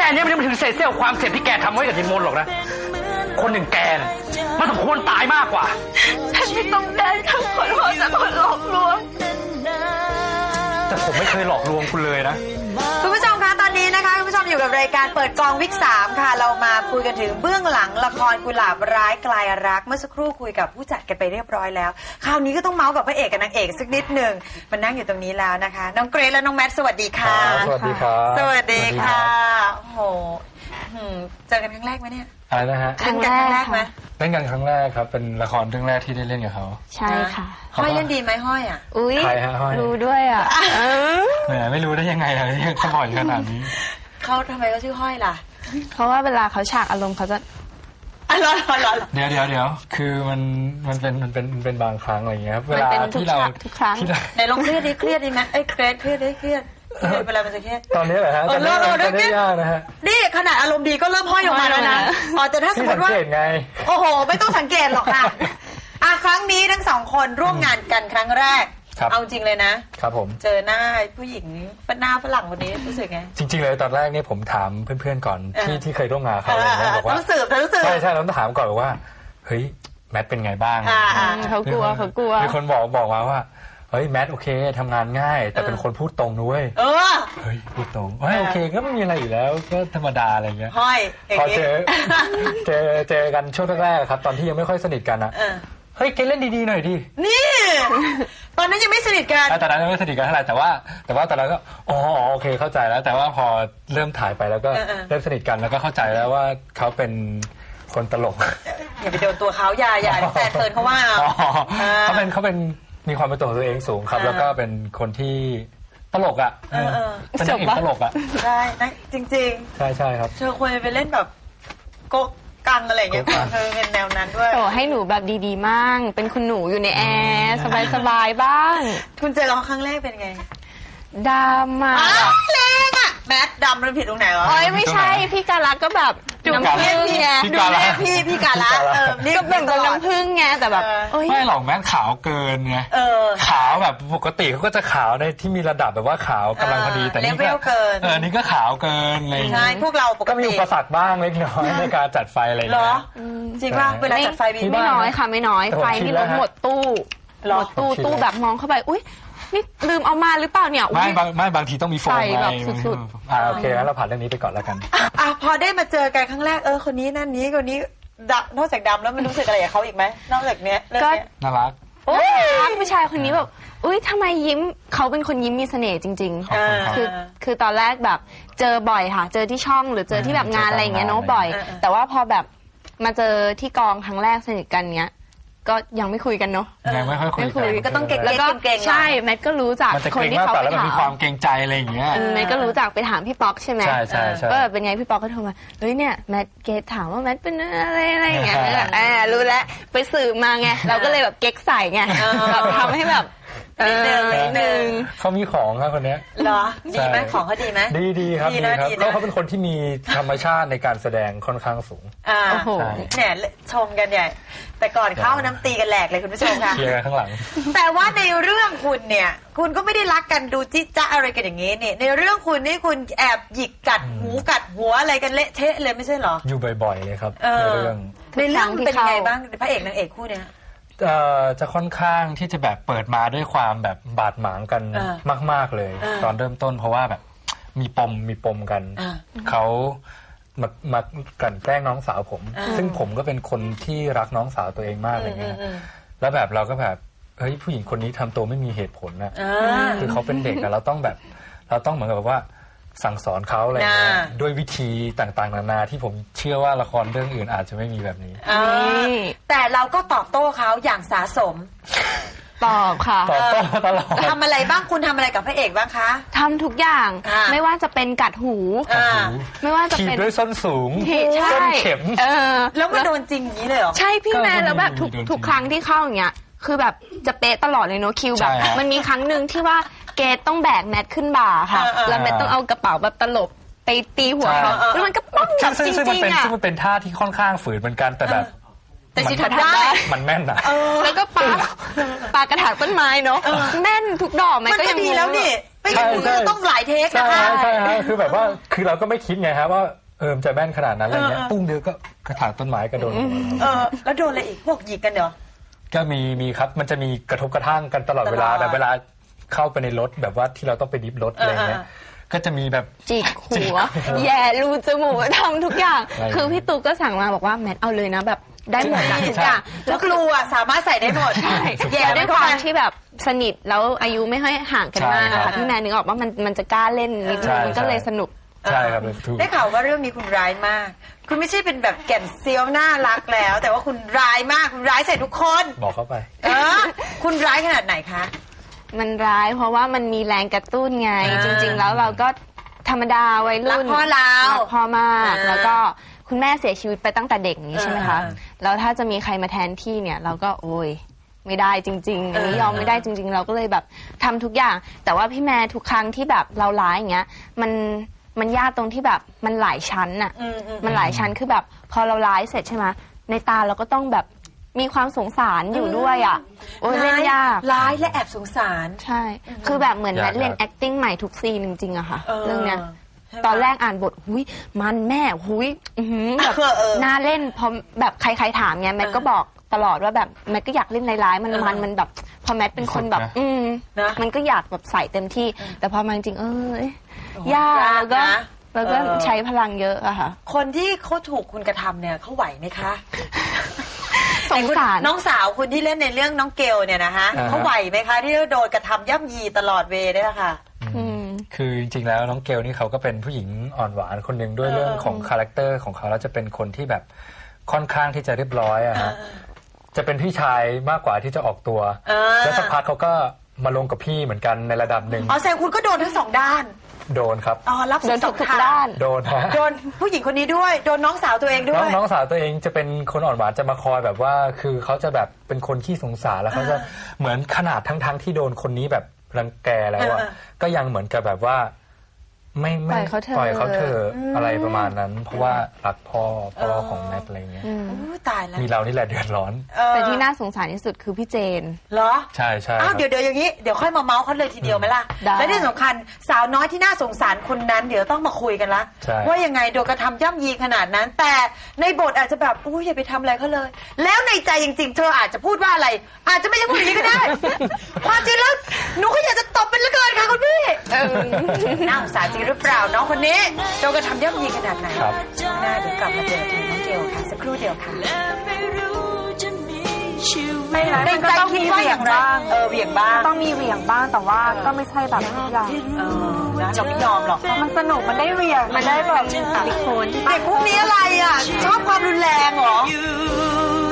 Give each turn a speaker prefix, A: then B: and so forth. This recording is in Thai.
A: เนี่ยไม่ถึงเศษเสี้ยวความเจ็บที่แกทำไว้กับยิมนหรอกนะคนหนึ่งแกน่ะมันสมควรตายมากกว่า
B: ฉันไม่ต้องได้คำขอโทษจากคนหลอกลวง
A: แต่ผมไม่เคยหลอกลวงคุณเลยนะ
C: คุณผู้ชมคะตอนนี้นะคะคุณผู้ชมอยู่กับรายการเปิดกองวิก3ค่ะเรามาคุยกันถึงเบื้องหลังละครกุหลาบร้ายกลายรักเมื่อสักครู่คุยกับผู้จัดกันไปเรียบร้อยแล้วคราวนี้ก็ต้องเมาส์กับพระเอกกับนางเอกสักนิดหนึ่งมันนั่งอยู่ตรงนี้แล้วนะคะน้องเกรซและน้องแมทสวัสดีค่ะ
D: สวัสดีครับ
C: สวัสดีค่ะโอ้โหเจอกันครั้งแรกไหมเนี่ย
D: อะไรนะฮะ
C: เล่นกันครั้งแรกไหม
D: เล่นกันครั้งแรกครับเป็นละครเรื่องแรกที่ได้เล่นกับเขา
B: ใช่ค่ะ
C: ห้อยเล่นดีไหมห้อยอ่ะ
B: อุ้ย
D: ใครฮะห้อย
B: รู้ด้วยอ่ะ
D: แหมไม่รู้ได้ยังไงเลยเขาบ่อยขนาดนี้
C: เขาทำไมเขาชื่อห้อยล่ะ
B: เพราะว่าเวลาเขาฉากอารมณ์เขาจะ
D: เดี๋ยวคือมันเป็นบางครั้งอะไรอย่างเงี้ยครับเวลาที่เรา
B: ทุกครั้ง
C: ไหนลองเครียดดิไหมเครียดเครียดเวลามันจะเครียด
D: ตอนนี้เหรอฮะตอนนี้ยากนะฮะ
C: นี่ขนาดอารมณ์ดีก็เริ่มห้อยออกมาแล้วนะแต่ถ้าสมมติว่าโอ้โหไม่ต้องสังเกตหรอกค่ะครั้งนี้ทั้งสองคนร่วมงานกันครั้งแรกเอาจริงเลยนะครับ
D: ผม
C: เจอหน้าผู้หญิงหน้าฝรั่งคนนี้รู้สึกไง
D: จริงๆเลยตอนแรกเนี่ยผมถามเพื่อนๆก่อนที่เคยร่วมงานเขาอะไรเงี้ยบอกว่า
C: รู้สึก
D: ใช่เราต้องถามก่อนว่าเฮ้ยแมทเป็นไงบ้าง
B: เขากลัว
D: มีคนบอกมาว่าเฮ้ยแมทโอเคทำงานง่ายแต่เป็นคนพูดตรงด้วยเฮ้ยพูดตรงโอเคก็ไม่มีอะไรอยู่แล้วก็ธรรมดาอะไรเงี้ยพอเจอกันช่วงแรกๆครับตอนที่ยังไม่ค่อยสนิทกันนะเฮ้ยเกเล่นดีๆหน่อยดิ
C: นี่ตอนนั้นยังไม่สนิทกัน
D: ตอนนั้นยังไม่สนิทกันเท่าไหร่แต่ว่าตอนนั้นก็โอเคเข้าใจแล้วแต่ว่าพอเริ่มถ่ายไปแล้วก็เริ่มสนิทกันแล้วก็เข้าใจแล้วว่าเขาเป็นคนตลก
C: อย่าไปโดนตัวเขาอย่าแฟนเฟิร์นเขาว่า
D: เขาเป็นมีความเป็นตัวตัวเองสูงครับแล้วก็เป็นคนที่ตลกอ่ะเป็นนักเอกตลกอ่ะ
C: ใช่นะจริง
D: ๆใช่ครับ
C: เธอควรไปเล่นแบบโกกังอะไรอย่างเงี้ยเธอเป็นแนวนั้นด้วย
B: โอ้ให้หนูแบบดีๆมั่งเป็นคุณหนูอยู่ในแอร์สบายๆบ้าง
C: คุณเจอเขาครั้งแรกเป็นไง
B: ดำอ่ะ
C: แรงอ่ะแมทดำมันผิดตรงไหนวะ
B: ไม่ใช่พี่กาลักก็แบบน้ำผึ้งไง
C: ดูแลพี่กาลัก
B: นี่ก็เป็นน้ำผึ้งไงแต่แบบ
D: ไม่หรอกแม่ขาวเกินไงขาวแบบปกติเขาก็จะขาวในที่มีระดับแบบว่าขาวกำลังพอดีแต่นี่ก็นี่ก็ขาวเกินอะไร
C: ใช่พวกเราปกติ
D: ก็มีอุปสรรคบ้างเล็กน้อยในการจัดไฟอะไรอย่างเงี้ย
C: จริงป่ะเวลาจัดไฟ
B: ไม่น้อยค่ะไม่น้อยไฟที่รถหมดตู้แบบมองเข้าไปอุ้ยนี่ลืมเอามาหรือเปล่าเนี่ย
D: ไม่บางทีต้องมีโฟม
B: แบบสุด
D: ๆโอเคงั้นเราผ่านเรื่องนี้ไปก่อนแล้วกัน
C: พอได้มาเจอกันครั้งแรกคนนี้นั่นนี้คนนี้นอกจากดำแล้วมันรู้สึกอะไรกับเขาอีกไหมนอกจากเนี้ย
B: ก็
D: น่ารัก
B: ผู้ชายคนนี้แบบอุ้ยทำไมยิ้มเขาเป็นคนยิ้มมีเสน่ห์จริงๆคือตอนแรกแบบเจอบ่อยค่ะเจอที่ช่องหรือเจอที่แบบงานอะไรอย่างเงี้ยเนาะบ่อยแต่ว่าพอแบบมาเจอที่กองครั้งแรกสนิทกันเงี้ยก็ยังไม่คุยกันเนาะ
D: ยังไม่ค่อยคุย
C: ก็ต้องเก่งแล้ว
B: ก็ใช่แมทก็รู้จัก
D: คนที่เขาไปถามมีความเกรงใจอะไรอย่างเงี้ย
B: แมทก็รู้จักไปถามพี่ป๊อกใช่ไหม
D: ใช่
B: ก็เป็นไงพี่ป๊อกก็โทรมาเฮ้ยเนี่ยแมทเกตถามว่าแมทเป็นอะไรอย่างเงี้ยรู้แล้วไปสืบมาไงเราก็เลยแบบเก๊กใส่ไงทำให้แบบ
C: นิดนึง
D: เขามีของครับคนนี้
C: เหรอดีไหมของเขาดีไหม
D: ดีครับเขาเป็นคนที่มีธรรมชาติในการแสดงค่อนข้างสูง
C: โอ้โหเนี่ยชมกันใหญ่แต่ก่อนเข้าน้ำตีกันแหลกเลยคุณผู้ชมค่ะ
D: เชียร์กันข้างหลัง
C: แต่ว่าในเรื่องคุณเนี่ยคุณก็ไม่ได้รักกันดูจิ๊จ๊ะอะไรกันอย่างงี้เนี่ยในเรื่องคุณนี่คุณแอบหยิกกัดหูกัดหัวอะไรกันเละเทะเลยไม่ใช่เหรอ
D: อยู่บ่อยๆเลยครับในเรื่อง
C: เป็นไงบ้างพระเอกนางเอกคู่เนี้ย
D: จะค่อนข้างที่จะแบบเปิดมาด้วยความแบบบาดหมางกันมากๆเลยตอนเริ่มต้นเพราะว่าแบบมีปมกันเขามากลั่นแกล้งน้องสาวผมซึ่งผมก็เป็นคนที่รักน้องสาวตัวเองมากอะไรเงี้ยแล้วแบบเราก็แบบเฮ้ยผู้หญิงคนนี้ทำตัวไม่มีเหตุผลนะคือเขาเป็นเด็กอะเราต้องเหมือนกับว่าสั่งสอนเขาอะไรเงี้ยด้วยวิธีต่างๆนานาที่ผมเชื่อว่าละครเรื่องอื่นอาจจะไม่มีแบบนี้
C: แต่เราก็ตอบโต้เขาอย่างสาสม
B: ตอบค่ะ
D: ตอบโต้ตลอด
C: ทำอะไรบ้างคุณทำอะไรกับพระเอกบ้างคะ
B: ทำทุกอย่างไม่ว่าจะเป็นกัดหูไม่ว่าจะเป็น
D: ด้วยส้นสูงส้นเข็ม
C: แล้วมันโดนจริงอย่างนี้เลยเหรอ
B: ใช่พี่แม่แล้วแบบทุกครั้งที่เข้าอย่างเงี้ยคือแบบจะเป๊ะตลอดเลยเนาะคิวแบบมันมีครั้งหนึ่งที่ว่าเกตต้องแบกแมทขึ้นบ่าค่ะแล้วแมทต้องเอากระเป๋าแบบตลบไปตีหัวเขาแล้วมันก็ป้องแบบจริงๆอ่ะ
D: ซึ่งมันเป็นท่าที่ค่อนข้างฝืนเหมือนกันแต่แบบ
C: แต่ชิทัดได้
D: มันแม่นอ่ะ
B: แล้วก็ปากระถางต้นไม้เนาะแม่นทุกดอกมันก็ยัง
C: ดีแล้วนี่ไปไม่งั้นคุณก็ต้องหลายเทค
D: ใช่
C: นะคะ
D: ใช่ฮะคือแบบว่าคือเราก็ไม่คิดไงครับว่ามันจะแม่นขนาดนั้นอะไรเงี้ยปุ้งเดียวก็กระถางต้นไม้กระโดด
C: แล้วโดนอะไรอีกพวกหยิกกันเหรอ
D: ก็มีครับมันจะมีกระทบกระทั่งกันตลอดเวลาแบบเวลาเข้าไปในรถแบบว่าที่เราต้องไปดิฟรถอะไรเงี้ยก็จะมีแบบ
B: จิกหัวแย่รูจมูกทำทุกอย่างคือพี่ตุ๊กก็สั่งมาบอกว่าแมทเอาเลยนะแบบได้หมดนะทุกอย่าง
C: แล้วครูอ่ะสามารถใส่ได้หมด
B: แย่ด้วยความที่แบบสนิทแล้วอายุไม่ค่อยห่างกันมากค่ะพี่แมนนึกออกว่ามันจะกล้าเล่นนิดนึงมันก็เลยสนุก
D: ใช่ครับถูก
C: ได้ข่าวว่าเรื่องนี้คุณร้ายมาก คุณไม่ใช่เป็นแบบแก่นเซียวน่ารักแล้ว แต่ว่าคุณร้ายมากคุณร้ายใส่ทุกคน
D: บอกเข้าไป
C: คุณร้ายขนาดไหนคะ
B: มันร้ายเพราะว่ามันมีแรงกระตุ้นไง จริง ๆ แล้วเราก็ธรรมดาวัยรุ่น
C: รักพ่อเรารั
B: กพ่อมากแล้วก็คุณแม่เสียชีวิตไปตั้งแต่เด็กอย่างนี้ใช่ไหมคะแล้วถ้าจะมีใครมาแทนที่เนี่ยเราก็โอ้ยไม่ได้จริงๆอันนี้ยอมไม่ได้จริง ๆ เราก็เลยแบบทำทุกอย่าง แต่ว่าพี่แม่ทุกครั้งที่แบบเราร้ายอย่างเงี้ยมันยากตรงที่แบบมันหลายชั้นอะมันหลายชั้นคือแบบพอเราร้ายเสร็จใช่ไหมในตาเราก็ต้องแบบมีความสงสารอยู่ด้วยอ่ะโอ้ยเล่นยาก
C: ร้ายและแอบสงสาร
B: ใช่คือแบบเหมือนแมทเรียน acting ใหม่ทุกซีนจริงๆอะค่ะเรื่องเนี้ยตอนแรกอ่านบทหุยมันแม่หุยแบบน่าเล่นพอแบบใครๆถามไงแมทก็บอกตลอดว่าแบบแมทก็อยากเล่นร้ายๆมันแบบพอแมทเป็นคนแบบมันก็อยากแบบใส่เต็มที่แต่พอมาจริงยากแล้วก็ใช้พลังเยอะอะค่ะ
C: คนที่เขาถูกคุณกระทำเนี่ยเขาไหวไหมคะ
B: สงสาร
C: น้องสาวคุณที่เล่นในเรื่องน้องเกลเนี่ยนะคะเขาไหวไหมคะที่โดนกระทำย่ำยีตลอดเวย์เนี่ยค่ะ
D: คือจริงๆแล้วน้องเกลนี่เขาก็เป็นผู้หญิงอ่อนหวานคนหนึ่งด้วยเรื่องของคาแรคเตอร์ของเขาแล้วจะเป็นคนที่แบบค่อนข้างที่จะเรียบร้อยอะฮะจะเป็นพี่ชายมากกว่าที่จะออกตัวแล้วสักพักเขาก็มาลงกับพี่เหมือนกันในระดับหนึ่ง
C: แสดงคุณก็โดนทั้งสองด้าน
D: โดนครับ
C: รับสอง
B: ด้าน
D: โดนฮะ
C: โดนผู้หญิงคนนี้ด้วยโดนน้องสาวตัวเองด้วย
D: น้องสาวตัวเองจะเป็นคนอ่อนหวานจะมาคอยแบบว่าคือเขาจะแบบเป็นคนขี้สงสารแล้วเขาจะเหมือนขนาดทั้งที่โดนคนนี้แบบรังแกแล้วอะก็ยังเหมือนกับแบบว่าไม่ปล่อยเขาเถอะอะไรประมาณนั้นเพราะว่ารักพ่อของแมทอะไรเงี้ย
C: ตายแล้ว
D: มีเรานี่แหละเดือดร้อน
B: แต่ที่น่าสงสารที่สุดคือพี่เจน
C: เหรอ
D: ใช่
C: เดี๋ยวอย่างนี้เดี๋ยวค่อยมาเมาส์เขาเลยทีเดียวไหมล่ะและที่สำคัญสาวน้อยที่น่าสงสารคนนั้นเดี๋ยวต้องมาคุยกันละว่ายังไงโดนกระทำย่ำยีขนาดนั้นแต่ในบทอาจจะแบบอย่าไปทำอะไรเขาเลยแล้วในใจจริงๆเธออาจจะพูดว่าอะไรอาจจะไม่ใช่พูดอย่างนี้ก็ได้ความจริงแล้วหนูก็อยากจะตบเป็นเหลือเกินค่ะคุณพี่น่าสงสารจริงหรือเปล่าน้องคนนี้โดนกระทำย่ำยีขนาดไหนช่วงหน้าเดี๋ยวกลับมาเจอทีน้องเกลค่ะสักครู่เดียวค่ะในใจคิดว่าอย่างไรเหวี่ยงบ้าง
E: ต้องมีเหวี่ยงบ้างแต่ว่าก็ไม่ใช่แบบทุกอย่าง
C: เราไม่ยอมหรอก
E: มันสนุกมันได้เหวี่ยงมันได้แบบ
B: ติโคน
C: เด็กพวกนี้อะไรอ่ะชอบความรุนแรงเหรอ